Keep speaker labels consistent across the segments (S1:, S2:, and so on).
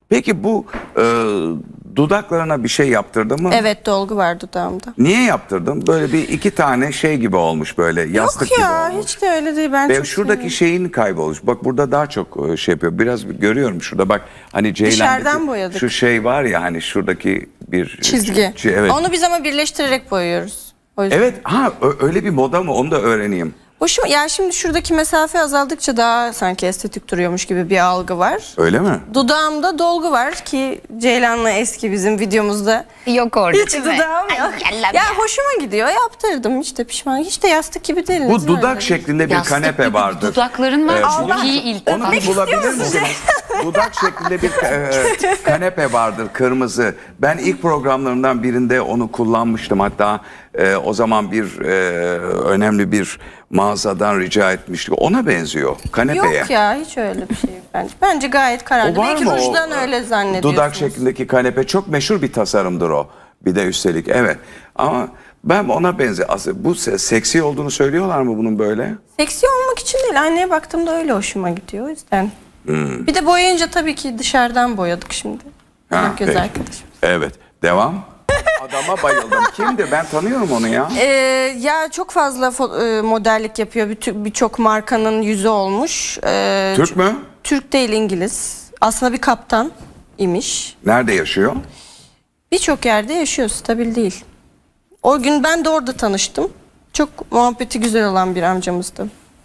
S1: Peki bu dudaklarına bir şey yaptırdın mı?
S2: Evet, dolgu var dudağımda.
S1: Niye yaptırdın? Böyle bir iki tane şey gibi olmuş, böyle yastık
S2: Yok
S1: gibi
S2: ya,
S1: olmuş.
S2: hiç de öyle değil. Ben
S1: Ve
S2: çok
S1: şuradaki
S2: seviyorum.
S1: şeyin kaybolmuş. Bak burada daha çok şey yapıyor. Biraz görüyorum şurada, bak hani
S2: Dışarıdan
S1: Ceylan'daki
S2: boyadık.
S1: şu şey var ya, hani şuradaki bir
S2: Çizgi.
S1: Evet.
S2: Onu biz ama birleştirerek boyuyoruz. O yüzden.
S1: Evet, öyle bir moda mı? Onu da öğreneyim.
S2: Hoşuma, ya şimdi şuradaki mesafe azaldıkça daha sanki estetik duruyormuş gibi bir algı var.
S1: Öyle mi?
S2: Dudağımda dolgu var ki Ceylan'la eski bizim videomuzda.
S3: Yok orada
S2: Hiç
S3: değil mi?
S2: dudağım yok.
S3: Ay,
S2: Ya hoşuma gidiyor, yaptırdım, hiç de pişman. Hiç de yastık gibi değil.
S1: Bu dudak şeklinde bir
S3: Yastık
S1: kanepe
S3: gibi
S1: vardır.
S3: dudakların var.
S1: Allah.
S3: Çok iyi ilk
S1: Onu
S3: defa.
S1: bir bulabilir misiniz? Dudak şeklinde bir kanepe vardır, kırmızı. Ben ilk programlarından birinde onu kullanmıştım. Hatta o zaman bir önemli bir mağazadan rica etmiştik. Ona benziyor, kanepeye.
S2: Yok ya, hiç öyle bir şey yok bence. Bence gayet kararlı.
S1: O var
S2: Belki
S1: mı o,
S2: rujdan öyle zannediyorsunuz.
S1: Dudak şeklindeki kanepe çok meşhur bir tasarımdır o. Bir de üstelik, evet. Ama ben ona benziyor. Aslında bu seksi olduğunu söylüyorlar mı bunun böyle?
S2: Seksi olmak için değil. Aynaya baktığımda öyle hoşuma gidiyor, o yüzden. Bir de boyayınca tabii ki dışarıdan boyadık şimdi. Göz
S1: peki.
S2: arkadaşım.
S1: Evet, devam. Adama bayıldım. Kimdir? Ben tanıyorum onu ya.
S2: Ya çok fazla modellik yapıyor. Birçok markanın yüzü olmuş.
S1: Türk mü?
S2: Türk değil, İngiliz. Aslında bir kaptan imiş.
S1: Nerede yaşıyor?
S2: Birçok yerde yaşıyor, stabil değil. O gün ben de orada tanıştım. Çok muhabbeti güzel olan bir amcamızdı.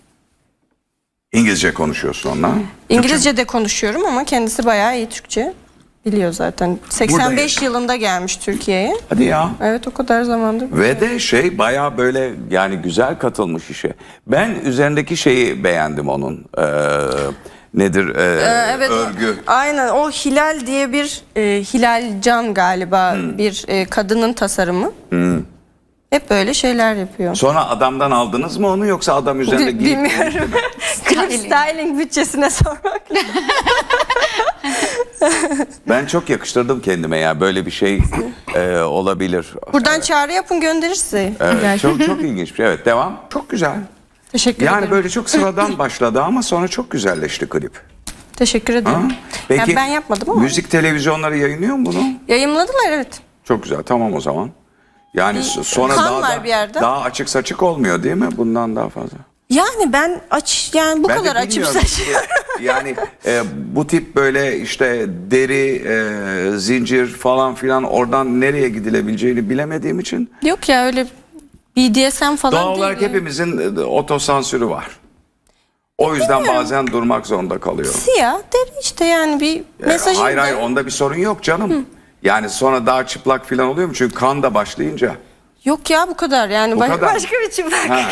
S1: İngilizce konuşuyorsun onunla.
S2: İngilizce de konuşuyorum ama kendisi bayağı iyi Türkçe biliyor zaten. 85 yılında gelmiş Türkiye'ye.
S1: Hadi ya.
S2: Evet, o kadar zamandır.
S1: Ve de şey bayağı böyle yani güzel katılmış işe. Ben üzerindeki şeyi beğendim onun. Nedir?
S2: Evet,
S1: Örgü.
S2: aynen, o Hilal diye bir Hilal Can galiba bir kadının tasarımı. Hep böyle şeyler yapıyor.
S1: Sonra adamdan aldınız mı onu, yoksa adam üzerinde giyip...
S2: Bilmiyorum. Klip styling bütçesine sormak.
S1: Ben çok yakıştırdım kendime ya, böyle bir şey olabilir.
S2: Buradan çağrı yapın, gönderirse.
S1: Evet, çok ilginç bir şey. Evet, devam. Çok güzel.
S2: Teşekkür
S1: Yani
S2: ederim.
S1: böyle çok sıradan başladı ama sonra çok güzelleşti klip.
S2: Teşekkür ederim.
S1: Peki
S2: Yani ben yapmadım ama.
S1: müzik televizyonları yayınlıyor mu bunu?
S2: Yayımladılar, evet.
S1: Çok güzel, tamam o zaman. Yani sonra
S2: kan
S1: daha
S2: var bir yerde.
S1: daha açık saçık olmuyor değil mi? Bundan daha fazla.
S2: Yani ben yani bu
S1: Ben de
S2: kadar açıp
S1: bilmiyorum.
S2: saçıyorum.
S1: Yani bu tip böyle işte deri, zincir falan filan, oradan nereye gidilebileceğini bilemediğim için
S2: Yok ya, öyle BDSM falan
S1: doğal
S2: değil.
S1: olarak
S2: ya.
S1: hepimizin otosansürü var. O yüzden bazen durmak zorunda kalıyor.
S2: Siyah deri işte, yani bir mesajı.
S1: Hayır, onda bir sorun yok canım. Yani sonra daha çıplak filan oluyor mu? Çünkü kan da başlayınca.
S2: Yok ya, bu kadar yani.
S1: Bu kadar.
S2: Başka bir çıplak.
S1: Ha,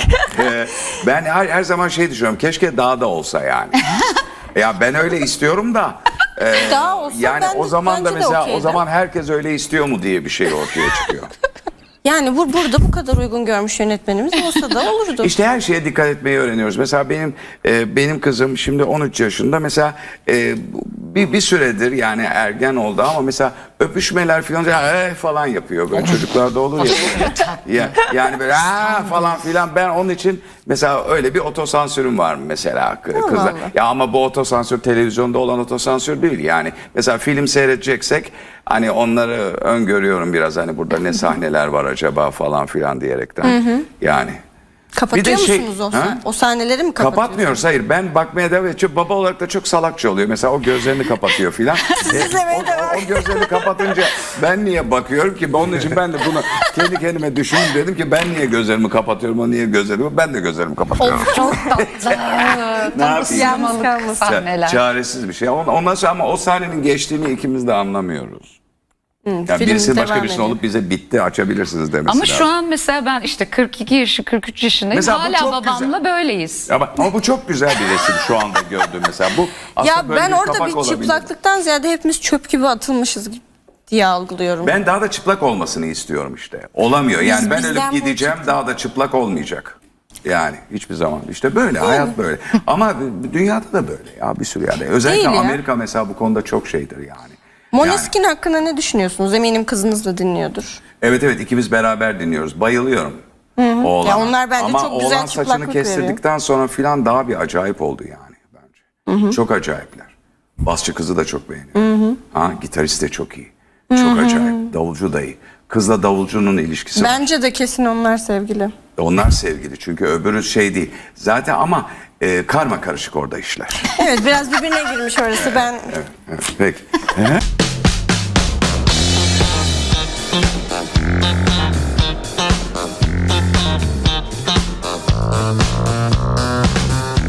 S1: ben her zaman şey düşünüyorum. Keşke daha da olsa yani. Ya ben öyle istiyorum da.
S2: Daha olsa
S1: yani
S2: ben
S1: o
S2: de-
S1: zaman da
S2: bence de
S1: mesela o
S2: okeydim.
S1: zaman herkes öyle istiyor mu diye bir şey ortaya çıkıyor.
S2: Yani burada bu kadar uygun görmüş yönetmenimiz olsa da olurdu.
S1: İşte her şeye dikkat etmeyi öğreniyoruz. Mesela benim kızım şimdi 13 yaşında. Mesela bir süredir yani ergen oldu ama mesela öpüşmeler falan falan yapıyor, böyle çocuklarda olur ya. Yani böyle falan filan. Ben onun için mesela öyle bir otosansürüm var mesela kızlar.
S2: Allah.
S1: Ya ama bu otosansür televizyonda olan otosansür değil yani. Mesela film seyredeceksek hani onları öngörüyorum biraz, hani burada ne sahneler var acaba falan filan diyerekten. Yani.
S2: Kapatıyor
S1: Bir de şey-
S2: musunuz
S1: Ha?
S2: o sahneleri mi kapatıyorsunuz?
S1: Kapatmıyoruz, hayır, ben bakmaya devam ediyorum. Baba olarak da çok salakça oluyor. Mesela o gözlerini kapatıyor filan.
S2: izlemeye devam
S1: o gözlerini kapatınca ben niye bakıyorum ki? Onun için ben de bunu kendi kendime düşündüm, dedim ki ben niye gözlerimi kapatıyorum, o niye gözlerimi? Ben de gözlerimi kapatıyorum.
S3: Çok tatlı. Tam
S1: yapayım?
S3: ısınamalık
S2: Yalnız
S3: sahneler.
S1: Çaresiz bir şey. Ondan sonra ama o sahnenin geçtiğini ikimiz de anlamıyoruz. Yani
S2: film
S1: birisi başka
S2: devam
S1: birisinin
S2: ediyor.
S1: olup bize bitti, açabilirsiniz demesi
S3: Ama
S1: lazım.
S3: şu an mesela ben işte 42 yaşı 43 yaşındayım.
S1: Mesela bu
S3: Hala
S1: çok
S3: babamla
S1: güzel.
S3: böyleyiz.
S1: Ama bu çok güzel bir resim şu anda gördüm mesela. Bu aslında
S2: Ya
S1: böyle
S2: ben orada
S1: kapak
S2: bir
S1: olabilir.
S2: çıplaklıktan ziyade hepimiz çöp gibi atılmışız diye algılıyorum.
S1: Ben daha da çıplak olmasını istiyorum işte. Olamıyor. Yani ben
S2: bizden
S1: ölüp
S2: bu
S1: gideceğim, daha da çıplak olmayacak. Yani hiçbir zaman. İşte böyle, hayat böyle. Ama dünyada da böyle ya, bir sürü yerde. Özellikle
S2: Değil ya.
S1: Amerika mesela bu konuda çok şeydir yani.
S2: Måneskin hakkında ne düşünüyorsunuz? Eminim kızınız da dinliyordur.
S1: Evet, ikimiz beraber dinliyoruz. Bayılıyorum. Oğlana.
S2: Ya onlar bence
S1: ama
S2: çok güzel
S1: oğlan saçını
S2: çıplaklık
S1: kestirdikten sonra filan daha bir acayip oldu yani bence. Çok acayipler. Basçı kızı da çok beğeniyorum. Ha, gitarist de çok iyi. Çok acayip. Davulcu da iyi. Kızla davulcunun ilişkisi var.
S2: Bence de kesin onlar sevgili.
S1: Onlar sevgili çünkü öbürü şey değil. Zaten ama karma karışık orada işler.
S2: Evet, biraz birbirine girmiş orası. Ben
S1: Evet, peki.